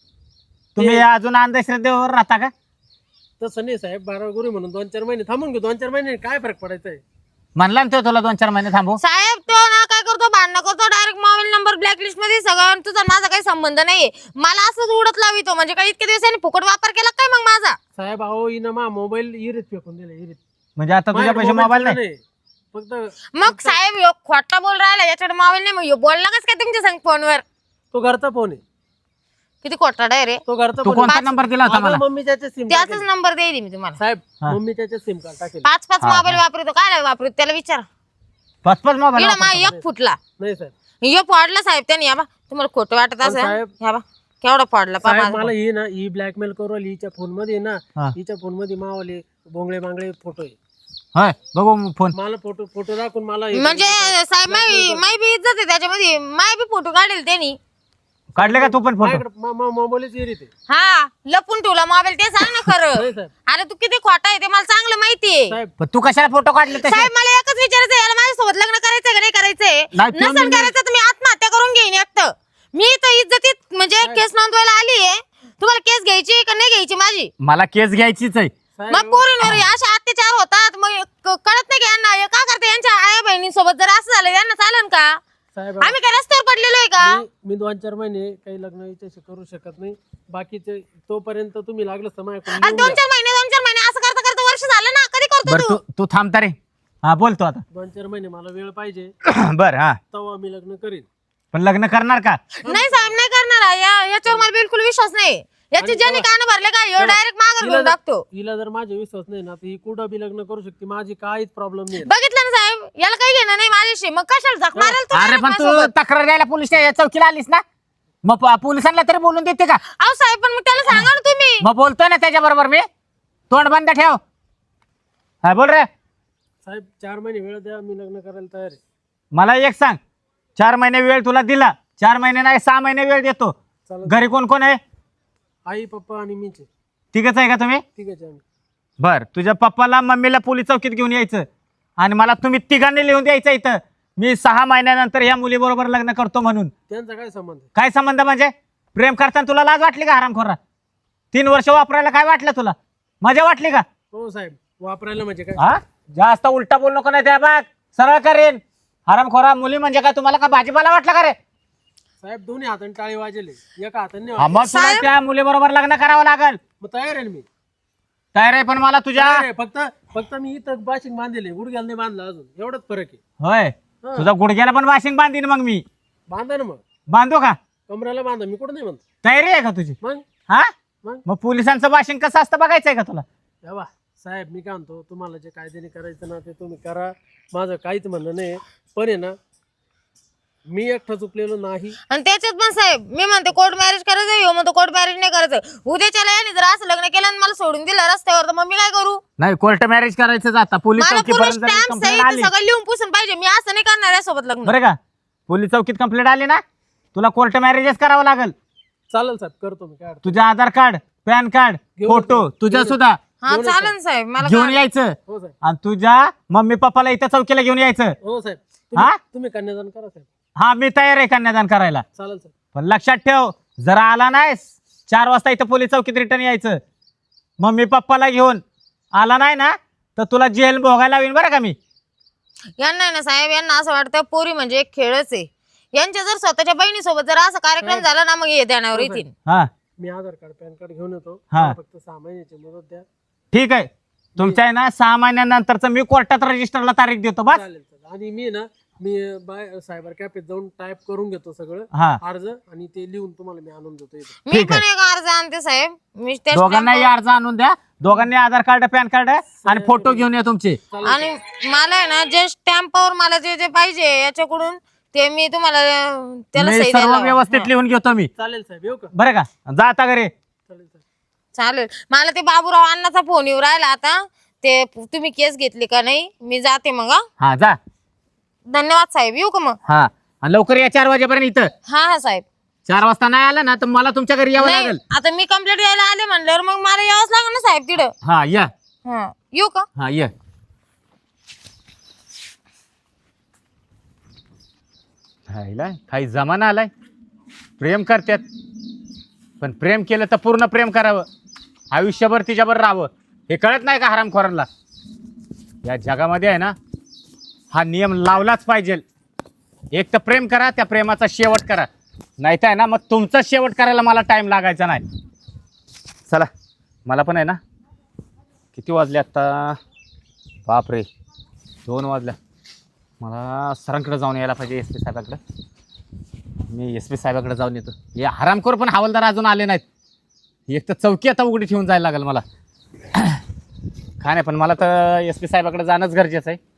Speaker 3: तुम्ही अजून अंधश्रद्धेवर राहता का?
Speaker 4: तसं नाही साहेब, बारावा गुरु म्हणून दोन चार महिने थांबून घेऊ. दोन चार महिने काय फरक पडायचा आहे?
Speaker 3: म्हणला ना तो तुला दोन चार महिने थांबू.
Speaker 1: साहेब तो ना काय करतो, भांडणं करतो, डायरेक्ट मोबाईल नंबर ब्लॅकलिस्ट मध्ये सगळं, तुझा माझा काही संबंध नाहीये. मला असंच उडत लावितो, म्हणजे काही इतके दिवसांनी फुकट वापर केला काय मग माझा?
Speaker 4: साहेब अहो हिनं मा मोबाईल इरीत फेकून दिला, इरीत.
Speaker 3: म्हणजे आता तुझ्या पैसे मोबाईल नाही?
Speaker 4: फक्त
Speaker 1: मग साहेब ह्यो खोटा बोल राहिला, याच्याकडे मोबाईल नाही, मग ह्यो बोलला कस काय तुमच्या संग फोनवर?
Speaker 4: तो घरचा फोन आहे,
Speaker 1: किती खोटा आहे रे.
Speaker 4: तो घरचा
Speaker 3: तू
Speaker 4: फोन
Speaker 3: कोणता नंबर दिला होता मला?
Speaker 4: मम्मीच्या सिम
Speaker 1: त्याचाच नंबर देईल मी तुम्हाला.
Speaker 4: साहेब
Speaker 3: हा.
Speaker 4: मम्मीच्या सिम कार्ड टाकेल.
Speaker 1: पाच पाच मोबाईल वापरतो, काय वापरतो त्याला विचार.
Speaker 3: पाच पाच मोबाईल
Speaker 1: इकडं मा एक फुटला,
Speaker 4: नाही साहेब.
Speaker 1: ह्यो फोडला साहेब त्यांनी. या बा तुम्हाला खोटं वाटत
Speaker 4: पण
Speaker 1: असेल,
Speaker 4: साहेब-
Speaker 1: ह्या बा केवढा फोडला पा
Speaker 4: साहेब मला ही ना ही ब्लॅकमेल करू राहिली हिच्या फोन मध्ये ना,
Speaker 3: हा.
Speaker 4: हिच्या फोन मध्ये मावाले बोंगळे बांगळे फोटो आहे.
Speaker 3: होय बघू फोन.
Speaker 4: मला फोटो फोटो दाखवून मला हे
Speaker 1: म्हणजे
Speaker 4: करायचं.
Speaker 1: साहेब माय माय बी इज्जत आहे त्याच्यामध्ये, माय बी फोटो काढेल त्यांनी.
Speaker 3: काढले का तू पण फोटो?
Speaker 4: माझ्याकडे मा- मा- मोबाईलच इरीत आहे.
Speaker 1: हा लपून ठेवला मोबाईल, ते सांग ना खरं.
Speaker 4: नाही साहेब.
Speaker 1: अरे तू किती खोटा आहे ते मला चांगलं माहितीये.
Speaker 4: साहेब
Speaker 3: पण तू कशाला फोटो काढले तसे?
Speaker 1: साहेब मला एकच विचारायचं, याला माझ्यासोबत लग्न करायचंय का नाही करायचंय?
Speaker 3: नाही, तो
Speaker 1: नसेल
Speaker 3: मी-
Speaker 1: करायचं तर मी आत्महत्या करून घेईन एकटं. मी तर इज्जतीत म्हणजे केस नोंदवायला आलीये. तुम्हाला केस घ्यायची का नाही घ्यायची माझी?
Speaker 3: मला केस घ्यायचीच आहे.
Speaker 4: साहेब
Speaker 1: मग पोरींवर असे अत्याचार होतात, मग क- कळत नाही का यांना? हे का करते यांच्या आया बहिणींसोबत? जर असं झालं यांना चालन का?
Speaker 4: साहेब
Speaker 1: आम्ही काय रस्त्यावर पडलेलो आहे का?
Speaker 4: मी- मी दोन चार महिने काही लग्न हिच्याशी करू शकत नाही. बाकीचे तोपर्यंत तुम्ही लागलं समय
Speaker 1: आणि दोन चार महिने दोन चार महिने असं करता करता वर्ष झालं ना. कधी करतो
Speaker 3: बरं
Speaker 1: तू?
Speaker 3: तू तू थांबता रे. हा बोलतो आता.
Speaker 4: दोन चार महिने मला वेळ पाहिजे,
Speaker 3: बर हा,
Speaker 4: तेव्हा मी लग्न करीन.
Speaker 3: पण लग्न करणार का?
Speaker 1: नाही साहेब नाही करणार आहे. या- याच्यावर मला बिलकुल विश्वास नाही. याची
Speaker 4: आणि
Speaker 1: ज्याने कान भरले का ह्यो डायरेक्ट माघार
Speaker 4: हिला
Speaker 1: घेऊन
Speaker 4: जर-
Speaker 1: टाकतो.
Speaker 4: हिला जर माझा विश्वास नाही ना तर ही कुठं बी लग्न करू शकते, माझी काहीच प्रॉब्लेम नाही.
Speaker 1: बघितलं ना साहेब, याला काही घेणं नाही माझ्याशी. मग कशाला झक मारेल तू
Speaker 3: अरे
Speaker 1: direct
Speaker 3: पण तू
Speaker 1: माझ्यासोबत?
Speaker 3: तक्रार द्यायला पोलीस चौकीला आलीस ना, मग प- पोलिसांना तरी बोलून देते का?
Speaker 1: अहो साहेब पण मग त्याला सांगा ना तुम्ही.
Speaker 3: मग बोलतोय ना त्याच्या बरोबर मी. तोंड बंद ठेव. हा बोल रे.
Speaker 4: साहेब चार महिने वेळ द्या, मी लग्न करायला तयार आहे.
Speaker 3: मला एक सांग, चार महिने वेळ तुला दिला, चार महिने नाही सहा महिने वेळ देतो.
Speaker 4: चालेल.
Speaker 3: घरी कोण कोण आहे?
Speaker 4: आई पप्पा आणि मीच आहे.
Speaker 3: तिघच आहे का तुम्ही?
Speaker 4: ठीक आहे आम्ही.
Speaker 3: बर, तुझ्या पप्पाला मम्मीला पोलीस चौकीत घेऊन यायचं आणि मला तुम्ही तिघांनी लिहून द्यायचं इथं, मी सहा महिन्यानंतर या मुलीबरोबर लग्न करतो म्हणून.
Speaker 4: त्यांचा काय संबंध आहे?
Speaker 3: काय संबंध म्हणजे? प्रेम करताना तुला लाज वाटली का हरामखोरा? तीन वर्ष वापरायला काय वाटलं तुला? मजा वाटली का?
Speaker 4: हो साहेब वापरायला म्हणजे काय?
Speaker 3: हा जास्त उलटा बोल नको नाही त्या बाग सरळ करेन. हरामखोरा मुली म्हणजे काय तुम्हाला का भाजीपाला वाटला का रे?
Speaker 4: साहेब दोन्ही हाताने टाळी वाजले, एका हाताने नाही
Speaker 3: हा,
Speaker 4: वाजले.
Speaker 3: मग तुला त्या मुलीबरोबर लग्न करावं लागल.
Speaker 4: मग तयार आहे ना मी.
Speaker 3: तयार आहे पण मला तुझ्या
Speaker 4: अरे, फक्त फक्त मी इथं बाशिंग बांधले गुडघ्याला नाही बांधला अजून एवढंच फरक आहे.
Speaker 3: होय
Speaker 4: हा.
Speaker 3: तुझा गुडघ्याला पण वाशिंग बांधीन मग मी.
Speaker 4: बांधा ना मग,
Speaker 3: बांधू का?
Speaker 4: कमऱ्याला बांधा, मी कुठं नाही म्हणतो.
Speaker 3: तयारी आहे का तुझी?
Speaker 4: मग
Speaker 3: हा
Speaker 4: मग
Speaker 3: मग पोलिसांचं वाशिंग कसं असतं बघायचंय का तुला?
Speaker 4: तेव्हा साहेब मी काय म्हणतो, तुम्हाला जे कायद्याने करायचं ना ते तुम्ही करा, माझं काहीच म्हणणं नाही. पण आहे ना, मी एकटा चुकलेलो नाही.
Speaker 1: आणि त्याच्यात पण साहेब मी म्हणते कोर्ट मॅरेज करायचं, ह्यो म्हणतो कोर्ट मॅरेज नाही करायचं. उद्याच्याला याने जर असं लग्न केलं आणि मला सोडून दिलं रस्त्यावर, तर मग मी काय करू?
Speaker 3: नाही कोर्ट मॅरेज करायचं जाता पोलीस
Speaker 1: मला पूर्ण
Speaker 3: चौकीपर्यंत जर
Speaker 1: स्टॅम्प
Speaker 3: कंप्लेंट
Speaker 1: सहित
Speaker 3: आली
Speaker 1: सगळं लिहून पुसून पाहिजे. मी असं नाही करणार यासोबत लग्न.
Speaker 3: बरं का? पोलीस चौकीत कंप्लेंट आली ना तुला कोर्ट मॅरेजच करावं लागेल.
Speaker 4: चालेल साहेब, करतो मी. काय अडचण
Speaker 3: तुझं आधार कार्ड पॅन कार्ड
Speaker 4: घेऊन
Speaker 3: फोटो
Speaker 4: येतो.
Speaker 3: तुझा
Speaker 4: घेऊन
Speaker 3: सुद्धा
Speaker 1: हा चालेल साहेब, मला
Speaker 3: घेऊन
Speaker 1: काय-
Speaker 3: यायचं
Speaker 4: हो साहेब,
Speaker 3: आणि तुझ्या मम्मी पप्पाला इथं चौकीला घेऊन यायचं.
Speaker 4: हो साहेब.
Speaker 3: हा?
Speaker 4: तुम्ही तुम्ही कन्यादान करा साहेब.
Speaker 3: हा मी तयार आहे कन्यादान करायला.
Speaker 4: चालेल साहेब.
Speaker 3: पण लक्षात ठेव जरा आला नाही चार वाजता इथं पोलीस चौकीत रिटर्न यायचं. मम्मी पप्पाला घेऊन आला नाही ना तर तुला जेल भोगायला लावीन बरं का मी.
Speaker 1: यांना आहे ना साहेब, यांना असं वाटतं पोरी म्हणजे एक खेळच आहे. यांच्या जर स्वतःच्या बहिणीसोबत जर असा कार्यक्रम झाला ना, मग हे ध्यानावर येतील.
Speaker 3: हा
Speaker 4: मी आधार कार्ड पॅन कार्ड घेऊन येतो.
Speaker 3: हा.
Speaker 4: मला फक्त सहा महिन्याची मुदत द्या.
Speaker 3: ठीक आहे तुमच्या आहे ना सहा महिन्यानंतरच मी कोर्टात रजिस्टरला तारीख देतो बस.
Speaker 4: चालेल चालेल. आणि मी ना मी बाय सायबर कॅफेत जाऊन टाईप करून घेतो सगळं
Speaker 3: हा
Speaker 4: अर्ज, आणि ते लिहून तुम्हाला मी आणून देतो इथं.
Speaker 1: मी
Speaker 3: ठीक
Speaker 1: पण
Speaker 3: आहे.
Speaker 1: एक अर्ज आणते साहेब. मी त्या
Speaker 3: दोघांनाही
Speaker 1: stamp
Speaker 3: अर्ज आणून द्या. दोघांनी आधार कार्ड पॅन कार्ड आणि फोटो घेऊन या तुमचे.
Speaker 1: वर- आणि मला आहे ना जे स्टॅम्पवर मला जे जे पाहिजे याच्याकडून ते मी तुम्हाला अं, त्याला
Speaker 3: मी
Speaker 1: सही
Speaker 3: सर्व
Speaker 1: द्यायला
Speaker 3: व्यवस्थित
Speaker 1: हवं.
Speaker 3: लिहून घेतो मी.
Speaker 4: चालेल साहेब, येऊ का?
Speaker 3: बरं का? जा आता घरी.
Speaker 4: चालेल साहेब.
Speaker 1: चालेल. मला ते बाबूराव अण्णाचा फोन येऊ राहिला आता. ते तुम्ही केस घेतली का नाही, मी जाते मग. हा?
Speaker 3: हा जा.
Speaker 1: धन्यवाद साहेब, येऊ का मग?
Speaker 3: हा आणि लवकर या चार वाजेपर्यंत इथं.
Speaker 1: हा हा साहेब.
Speaker 3: चार वाजता नाही आलं ना तर मला तुमच्या घरी यावं
Speaker 1: नाही
Speaker 3: लागेल.
Speaker 1: आता मी कंप्लेंट द्यायला आले म्हणल्यावर मग मला यावंच लागेल ना साहेब तिथं.
Speaker 3: हा या.
Speaker 1: हा येऊ का?
Speaker 3: हा ये. हायला काही जमाना आलाय. प्रेम करतात पण प्रेम केलं तर पूर्ण प्रेम करावं. आयुष्यभर तिच्यावर राहावं हे कळत नाही का हरामखोरांना? या जगामध्ये आहे ना हा नियम लावलाच पाहिजे. एक तर प्रेम करा, त्या प्रेमाचा शेवट करा. नाही तर आहे ना मग तुमचा शेवट करायला मला टाइम लागायचा नाही. चला मला पण आहे ना किती वाजले आत्ता? बापरे दोन वाजल्या. मला सरांकडे जाऊन यायला पाहिजे एस पी साहेबाकडे. मी एस पी साहेबाकडे जाऊन येतो. हे हरामखोर पण हवालदार अजून आले नाहीत. एक तर चौकी आता उघडी ठेवून जायला लागेल मला. काय नाही पण मला तर एस पी साहेबाकडे जाणंच गरजेचं आहे.